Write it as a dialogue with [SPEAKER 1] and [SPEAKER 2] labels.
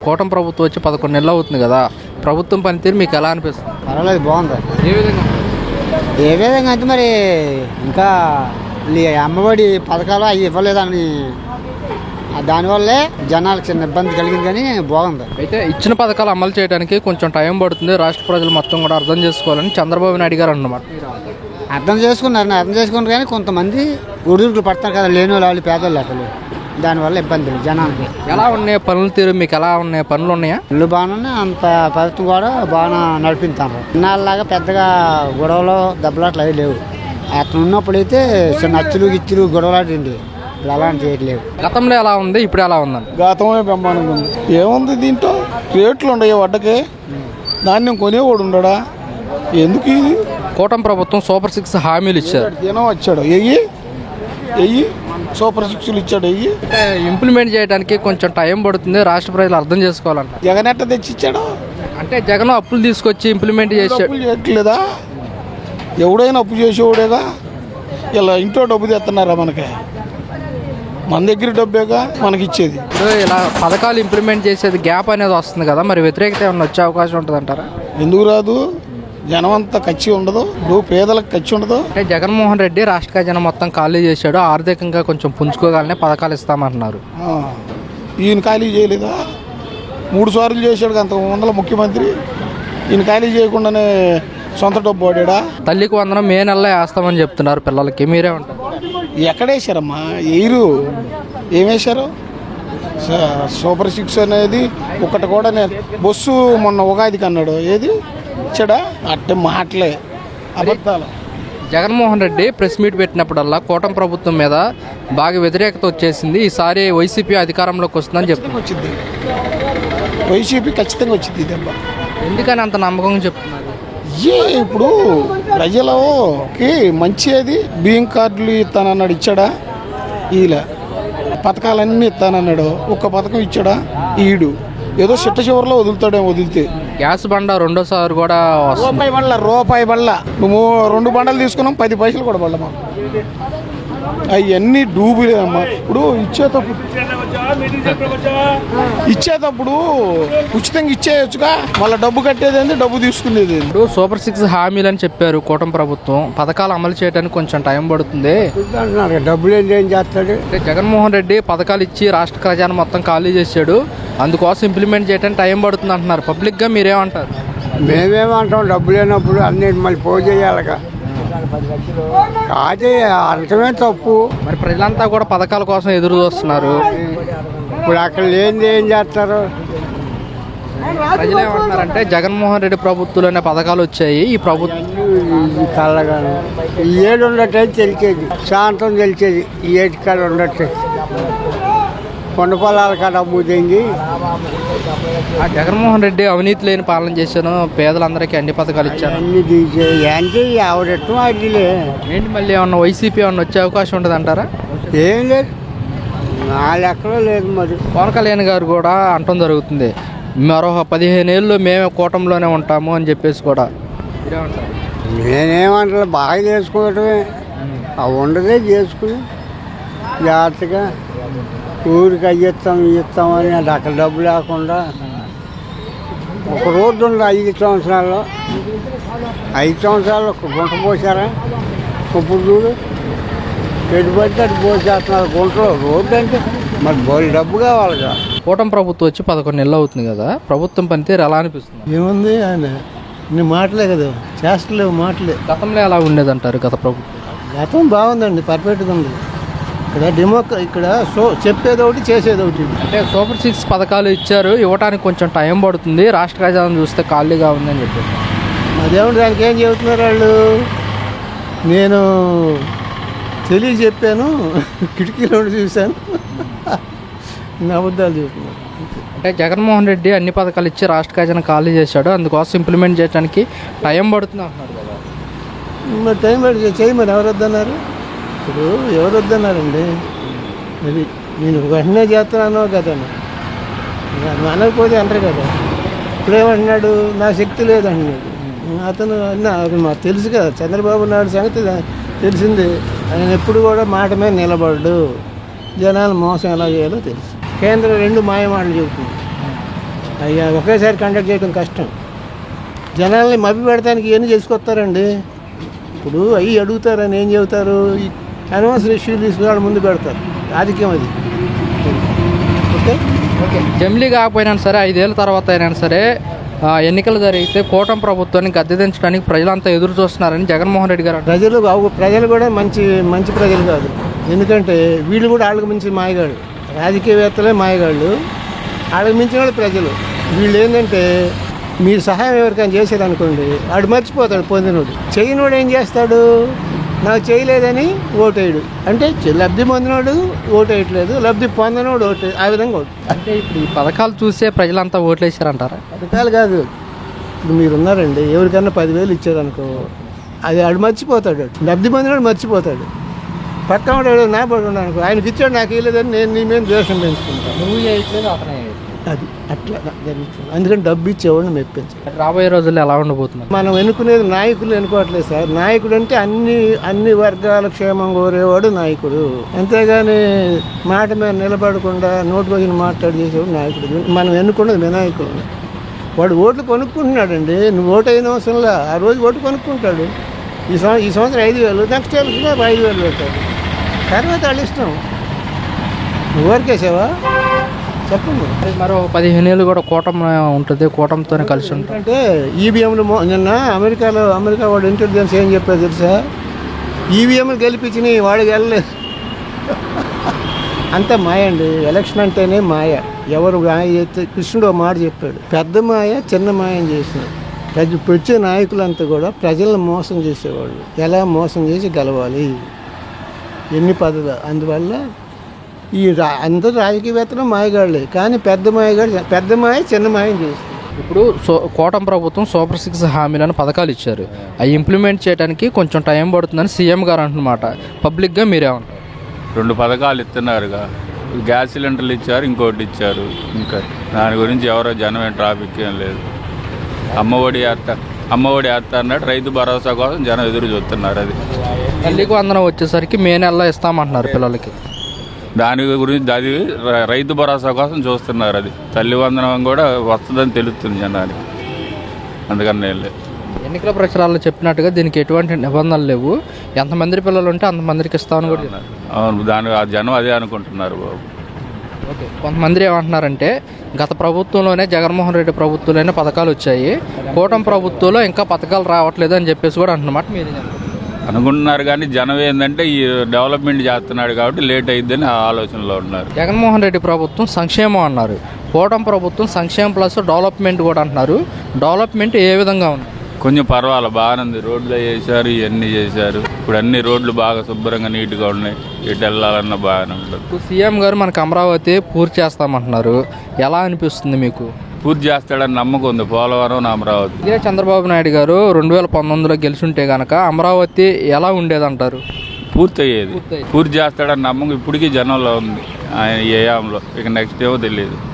[SPEAKER 1] కూటమి ప్రభుత్వం వచ్చి 11 నెలలు అవుతుంది కదా, ప్రభుత్వం పనితీరు మీకు ఎలా అనిపిస్తుంది?
[SPEAKER 2] పర్వాలేదు, బాగుంది.
[SPEAKER 1] ఏ విధంగా?
[SPEAKER 2] ఏ విధంగా అంటే మరి ఇంకా అమ్మఒడి పథకాలు అవి ఇవ్వలేదని దానివల్లే జనాలకు చిన్న ఇబ్బంది కలిగింది, కానీ బాగుంది.
[SPEAKER 1] అయితే ఇచ్చిన పథకాలు అమలు చేయడానికి కొంచెం టైం పడుతుంది, రాష్ట్ర ప్రజలు మొత్తం కూడా అర్థం చేసుకోవాలని చంద్రబాబు నాయుడు గారు అన్నమాట.
[SPEAKER 2] అర్థం చేసుకున్నారు కానీ కొంతమంది ఉడుకులు పడతారు కదా, లేని వాళ్ళు పేదోళ్ళు అసలు, దానివల్ల ఇబ్బందులు జనానికి.
[SPEAKER 1] ఎలా ఉన్నాయి పనుల తీరు మీకు? ఎలా ఉన్నాయి పనులు? ఉన్నాయా?
[SPEAKER 2] ఇల్లు బాగానే, అంత ప్రభుత్వం కూడా బాగా నడిపిస్తాను. ఇన్నాళ్ళలాగా పెద్దగా గొడవలు దెబ్బలాట్లు అవి లేవు. అతను ఉన్నప్పుడైతే చిన్న అచ్చులు గిచ్చులు గొడవలాంటి ఇప్పుడు అలాంటి చేయట్లేవు.
[SPEAKER 1] గతంలో ఎలా ఉంది, ఇప్పుడు ఎలా ఉందండి?
[SPEAKER 3] గతంలో బ్రహ్మాండంగా ఉంది. ఏముంది దీంట్లో? రేట్లు ఉండవు వడ్డకే, ధాన్యం కొనేవాడు ఉండడా? ఎందుకు ఇది?
[SPEAKER 1] కూటమి ప్రభుత్వం సూపర్ 6 హామీలు ఇచ్చారు.
[SPEAKER 3] దినం వచ్చాడు ఎయ్యి సూపర్ 6లు ఇచ్చాడు.
[SPEAKER 1] ఇంప్లిమెంట్ చేయడానికి కొంచెం టైం పడుతుంది, రాష్ట్ర ప్రజలు అర్థం చేసుకోవాలంట.
[SPEAKER 3] జగన్ ఎట్ట తెచ్చిచ్చాడు
[SPEAKER 1] అంటే జగన్ అప్పులు తీసుకొచ్చి ఇంప్లిమెంట్ చేశాడు.
[SPEAKER 3] అప్పులు చేయట్లేదా? ఎవడైనా అప్పు చేసేవాడేగా. ఇలా ఇంట్లో డబ్బు తెస్తున్నారా? మన దగ్గర డబ్బేగా మనకి ఇచ్చేది.
[SPEAKER 1] ఇలా పథకాలు ఇంప్లిమెంట్ చేసేది గ్యాప్ అనేది వస్తుంది కదా, మరి వ్యతిరేకత ఏమైనా వచ్చే అవకాశం ఉంటుంది అంటారా?
[SPEAKER 3] ఎందుకు రాదు? జనం అంతా ఖర్చు ఉండదు, పేదలకు ఖర్చు ఉండదు.
[SPEAKER 1] అంటే జగన్మోహన్ రెడ్డి రాష్ట్ర ఖజానా మొత్తం ఖాళీ చేశాడు, ఆర్థికంగా కొంచెం పుంజుకోగలనే పథకాలు ఇస్తామంటున్నారు.
[SPEAKER 3] ఈయన ఖాళీ చేయలేదా? 3 సార్లు చేశాడు అంత వందల ముఖ్యమంత్రి. ఈయన ఖాళీ చేయకుండానే సొంత డబ్బు వాడా?
[SPEAKER 1] తల్లికి వందనం మే నెలలో వేస్తామని చెప్తున్నారు పిల్లలకి, మీరే ఉంటారు.
[SPEAKER 3] ఎక్కడేశారమ్మా? ఎయిరు ఏమేశారు? సూపర్ 6 అనేది ఒకటి కూడా బస్సు మొన్న ఉగాదికి అన్నాడు, ఏది ఇచ్చాడా? అట్టే మాటలే, అబద్ధాలు.
[SPEAKER 1] జగన్మోహన్ రెడ్డి ప్రెస్ మీట్ పెట్టినప్పుడల్లా కూటమి ప్రభుత్వం మీద బాగా వ్యతిరేకత వచ్చేసింది, ఈసారి వైసీపీ అధికారంలోకి వస్తుందని చెప్తుంది.
[SPEAKER 3] వచ్చింది వైసీపీ, ఖచ్చితంగా వచ్చింది దెబ్బ.
[SPEAKER 1] ఎందుకని అంత నమ్మకంగా చెప్తున్నారు?
[SPEAKER 3] ఇప్పుడు ప్రజలకి మంచిది. బియ్యం కార్డులు ఇస్తానన్నాడు, ఇచ్చాడా? ఈల పథకాలన్నీ ఇస్తానన్నాడు, ఒక్క పథకం ఇచ్చాడా? ఈడు ఏదో చిట్ట చివరిలో వదులుతాడేమో. వదిలితే గ్యాస్
[SPEAKER 1] బండ రెండోసారి కూడా
[SPEAKER 3] రూపాయి బళ్ళ నువ్వు 2 బండలు తీసుకున్నాం, 10 పైసలు కూడా బళ్ళ మాకు. అవన్నీ డూబులే అమ్మా. ఇప్పుడు ఇచ్చేటప్పుడు ఉచితంగా ఇచ్చేయచ్చుగా, మళ్ళీ డబ్బు కట్టేది, డబ్బు తీసుకునేది.
[SPEAKER 1] ఇప్పుడు సూపర్ 6 హామీలు అని చెప్పారు కూటమి ప్రభుత్వం, పథకాలు అమలు చేయడానికి కొంచెం టైం పడుతుంది.
[SPEAKER 2] డబ్బులు ఏం చేస్తాడు?
[SPEAKER 1] జగన్మోహన్ రెడ్డి పథకాలు ఇచ్చి రాష్ట్ర ఖజానా మొత్తం ఖాళీ చేశాడు, అందుకోసం ఇంప్లిమెంట్ చేయడానికి టైం పడుతుంది అంటున్నారు. పబ్లిక్గా మీరేమంటారు?
[SPEAKER 2] మేమేమంటాం, డబ్బు లేనప్పుడు అన్ని మళ్ళీ పోగు చేయాలిగా. అదే అర్థమే తప్పు.
[SPEAKER 1] మరి ప్రజలంతా కూడా పథకాల కోసం ఎదురు చూస్తున్నారు.
[SPEAKER 2] ఇప్పుడు అక్కడ లేనిది ఏం చేస్తారు?
[SPEAKER 1] ప్రజలు ఏమంటున్నారంటే జగన్మోహన్ రెడ్డి ప్రభుత్వంలోనే పథకాలు వచ్చాయి, ఈ ప్రభుత్వం
[SPEAKER 2] కళ్ళగాను ఈ ఏడు ఉండటం తెలిసేది, శాంతం తెలిసేది. ఈ ఏడు కాడ ఉండట్టు కొండ పొలాల కాడ అమ్ముతుంది.
[SPEAKER 1] జగన్మోహన్ రెడ్డి అవినీతి లేని పాలన చేశాను, పేదలందరికీ అన్ని పథకాలు ఇచ్చాను,
[SPEAKER 2] అన్ని తీసేది. అంటే ఎవరెట్టం అడిలే
[SPEAKER 1] ఏంటి మళ్ళీ ఏమన్నా వైసీపీ ఏమన్నా వచ్చే అవకాశం ఉంటుంది అంటారా?
[SPEAKER 2] ఏం లేదు, నా లెక్కలో లేదు. మరి
[SPEAKER 1] పవన్ కళ్యాణ్ గారు కూడా అంటం జరుగుతుంది, మరో 15 ఏళ్ళు మేమే కూటమిలోనే ఉంటాము అని చెప్పేసి కూడా.
[SPEAKER 2] నేనేమంటా, బాగా చేసుకోవటమే. అవి ఉండదే చేసుకుని జాగ్రత్తగా ఊరికి ఇస్తామని అది అక్కడ డబ్బు లేకుండా. ఒక రోడ్డు ఉంది 5 సంవత్సరాల్లో, 5 సంవత్సరాలు ఒక గుంట పోసారా? ఇప్పుడు చూడు, ఎటు పడితే అటు పోసేస్తున్నారు గుంటలో. రోడ్డు అంటే మరి బోల్ డబ్బు కావాలిగా.
[SPEAKER 1] కూటమి ప్రభుత్వం వచ్చి 11 నెలలు అవుతుంది కదా, ప్రభుత్వం పనితీరు ఎలా అనిపిస్తుంది?
[SPEAKER 4] ఏముంది ఆయన నీ మాటలే కదా, చేస్తలేవు మాటలే.
[SPEAKER 1] గతంలో ఎలా ఉండేదంటారు గత ప్రభుత్వం?
[SPEAKER 4] గతం బాగుందండి, పర్ఫెక్ట్గా ఉంది. ఇక్కడ చెప్పేది ఒకటి, చేసేది ఒకటి.
[SPEAKER 1] అంటే సూపర్ 6 పథకాలు ఇచ్చారు, ఇవ్వడానికి కొంచెం టైం పడుతుంది, రాష్ట్ర ఖజానా చూస్తే ఖాళీగా ఉందని చెప్పేసి.
[SPEAKER 4] అదేమిటి దానికి ఏం చెబుతున్నారు వాళ్ళు? నేను చెప్పాను, కిటికీలో చూశాను, అబద్ధాలు చెబుతున్నారు.
[SPEAKER 1] అంటే జగన్మోహన్ రెడ్డి అన్ని పథకాలు ఇచ్చి రాష్ట్ర ఖజానా ఖాళీ చేశాడు, అందుకోసం ఇంప్లిమెంట్ చేయడానికి టైం పడుతుంది అంటున్నారు కదా.
[SPEAKER 4] మరి టైం పడి చేయమని ఎవరు వద్దన్నారు? ఇప్పుడు ఎవరు వద్దన్నారండి? అది నేను వెంటనే చేస్తున్నాను కదా, అనకపోతే అంటారు కదా. ఇప్పుడేమంటున్నాడు, నా శక్తి లేదంటున్నాడు. అతను మాకు తెలుసు కదా, చంద్రబాబు నాయుడు సంగతి తెలిసింది. ఆయన ఎప్పుడు కూడా మాట మీద నిలబడ్డు, జనాలు మోసం ఎలా చేయాలో తెలుసు. కేంద్రం 2 మాయమాటలు చెబుతుంది. అయ్యా ఒకేసారి కండక్ట్ చేయడం కష్టం. జనాల్ని మభ్య పెడతానికి ఇవన్నీ చేసుకొస్తారండి. ఇప్పుడు అవి అడుగుతారని ఏం చెబుతారు, అనవసర ఇష్యూ తీసుకుని ముందు పెడతారు. రాజకీయం అది. ఓకే
[SPEAKER 1] ఓకే, జమిలీ కాకపోయినా సరే 5 ఏళ్ళ తర్వాత అయినా సరే ఎన్నికలు జరిగితే కూటమి ప్రభుత్వాన్ని గద్దె దించడానికి ప్రజలంతా ఎదురు చూస్తున్నారని జగన్మోహన్ రెడ్డి గారు అంటారు.
[SPEAKER 4] ప్రజలు కూడా మంచి ప్రజలు కాదు. ఎందుకంటే వీళ్ళు కూడా వాళ్ళకి మించి మాయగాళ్ళు, రాజకీయవేత్తలే మాయగాళ్ళు, వాళ్ళకి మించిన వాళ్ళు ప్రజలు. వీళ్ళు ఏంటంటే మీరు సహాయం ఎవరికైనా చేసేదనుకోండి, వాడు మర్చిపోతాడు. పొందినోడు చేయనోడు ఏం చేస్తాడు, నాకు చేయలేదని ఓటేయడు. అంటే లబ్ధి పొందినోడు ఓటేయట్లేదు, లబ్ధి పొందనోడు ఓటే, ఆ విధంగా ఓటు.
[SPEAKER 1] అంటే ఇప్పుడు ఈ పథకాలు చూసే ప్రజలంతా ఓట్లేసారంటారా?
[SPEAKER 4] పథకాలు కాదు, ఇప్పుడు మీరు ఉన్నారండి, ఎవరికన్నా 10,000 ఇచ్చారనుకో, అది ఆడు మర్చిపోతాడు. లబ్ధి పొందినోడు మర్చిపోతాడు. పక్కన వాడు నా పడి ఉన్నాను, ఆయనకి ఇచ్చాడు నాకు ఇవ్వలేదని నేను నీ మీద ద్వేషం పెంచుకుంటాను.
[SPEAKER 1] నువ్వు చేయట్లేదు, అతనే
[SPEAKER 4] అది అట్లా జరుగుతుంది. అందుకని డబ్బు ఇచ్చేవాడిని మెప్పించాలి.
[SPEAKER 1] రాబోయే రోజుల్లో ఎలా ఉండబోతున్నారు?
[SPEAKER 4] మనం ఎన్నుకునేది నాయకులు ఎన్నుకోవట్లేదు సార్. నాయకుడు అంటే అన్ని వర్గాల క్షేమం కోరేవాడు నాయకుడు. అంతేగాని మాట మీద నిలబడకుండా నోటుకు వచ్చిన మాట్లాడి చేసేవాడు నాయకుడు. మనం ఎన్నుకున్నది వినాయకుడు. వాడు ఓట్లు కొనుక్కుంటున్నాడండి. నువ్వు ఓటు అయిన అవసరంలా ఆ రోజు ఓటు కొనుక్కుంటాడు. ఈ సంవత్సరం 5,000, నెక్స్ట్ ఇయర్కి 5,000 పెట్టాడు. తర్వాత వాళ్ళ ఇష్టం. నువ్వు ఊరికేసావా చెప్పండి.
[SPEAKER 1] మరో 15 ఏళ్ళు కూడా కూటమి ఉంటుంది, కూటమితోనే కలిసి ఉంటుంది.
[SPEAKER 4] అంటే ఈవీఎంలు నిన్న అమెరికా వాడు ఇంటెలిజెన్స్ ఏం చెప్పారు తెలుసా, ఈవీఎంలు గెలిపించినాయి, వాడు వెళ్ళలేదు. అంత మాయ అండి. ఎలక్షన్ అంటేనే మాయ. ఎవరు మాయ చేస్తే కృష్ణుడు ఒక మాట చెప్పాడు, పెద్ద మాయ చిన్న మాయం చేసినాడు. వచ్చే నాయకులంతా కూడా ప్రజలను మోసం చేసేవాళ్ళు. ఎలా మోసం చేసి గెలవాలి, ఎన్ని పద్ధతులు. అందువల్ల అందరూ రాజకీయవేత్తలు మాయగాళ్ళే, కానీ పెద్ద మాయ చిన్న మాయం చేస్తుంది.
[SPEAKER 1] ఇప్పుడు కూటమి ప్రభుత్వం సూపర్ 6 హామీలను పథకాలు ఇచ్చారు, అవి ఇంప్లిమెంట్ చేయడానికి కొంచెం టైం పడుతుందని సీఎం గారు అంటున్నమాట. పబ్లిక్గా మీరేమంటారు?
[SPEAKER 5] 2 పథకాలు ఇస్తున్నారుగా, గ్యాస్ సిలిండర్లు ఇచ్చారు, ఇంకోటి ఇచ్చారు. ఇంకా దాని గురించి ఎవరో జనం ట్రాఫిక్ ఏం లేదు. అమ్మఒడి వేస్తా అన్నాడు, రైతు భరోసా కోసం జనం ఎదురు చూస్తున్నారు. అది
[SPEAKER 1] తల్లికి వందనం వచ్చేసరికి మే నెలలో ఇస్తామంటున్నారు పిల్లలకి.
[SPEAKER 5] దాని గురించి అది రైతు భరోసా కోసం చూస్తున్నారు. అది తల్లి వందనం కూడా వస్తుందని తెలుస్తుంది జనానికి. అందుకని నేను లేదు.
[SPEAKER 1] ఎన్నికల ప్రచారాల్లో చెప్పినట్టుగా దీనికి ఎటువంటి నిబంధనలు లేవు, ఎంతమంది పిల్లలు ఉంటే అంతమందికి ఇస్తామని కూడా చెప్పారు.
[SPEAKER 5] అవును, ఆ జనం అదే అనుకుంటున్నారు బాబు.
[SPEAKER 1] ఓకే, కొంతమంది ఏమంటున్నారంటే గత ప్రభుత్వంలోనే జగన్మోహన్ రెడ్డి ప్రభుత్వంలోనే పథకాలు వచ్చాయి, కూటమి ప్రభుత్వంలో ఇంకా పథకాలు రావట్లేదు అని చెప్పేసి కూడా అంటున్నమాట మీరు
[SPEAKER 5] అనుకుంటున్నారు. కానీ జనం ఏంటంటే ఈ డెవలప్మెంట్ చేస్తున్నాడు కాబట్టి లేట్ అయిద్దని ఆ ఆలోచనలో ఉన్నారు.
[SPEAKER 1] జగన్మోహన్ రెడ్డి ప్రభుత్వం సంక్షేమం అన్నారు, కూటమి ప్రభుత్వం సంక్షేమం ప్లస్ డెవలప్మెంట్ కూడా అంటున్నారు. డెవలప్మెంట్ ఏ విధంగా ఉంది?
[SPEAKER 5] కొంచెం పర్వాలేదు, బాగానే ఉంది. రోడ్లు చేశారు, ఇవన్నీ చేశారు. ఇప్పుడు అన్ని రోడ్లు బాగా శుభ్రంగా నీట్గా ఉన్నాయి. ఎటు వెళ్ళాలన్నా బాగానే ఉంటుంది.
[SPEAKER 1] సీఎం గారు మనకు అమరావతి పూర్తి చేస్తామంటున్నారు, ఎలా అనిపిస్తుంది మీకు?
[SPEAKER 5] పూర్తి చేస్తాడని నమ్మకం ఉంది. పోలవరం, అమరావతి.
[SPEAKER 1] ఇదే చంద్రబాబు నాయుడు గారు 2019లో గెలిచుంటే కనుక అమరావతి ఎలా ఉండేదంటారు?
[SPEAKER 5] పూర్తి అయ్యేది. పూర్తి చేస్తాడని నమ్మకం ఇప్పటికీ జనంలో ఉంది. ఆయన ఏ యాంలో ఇక నెక్స్ట్ ఏమో తెలియదు.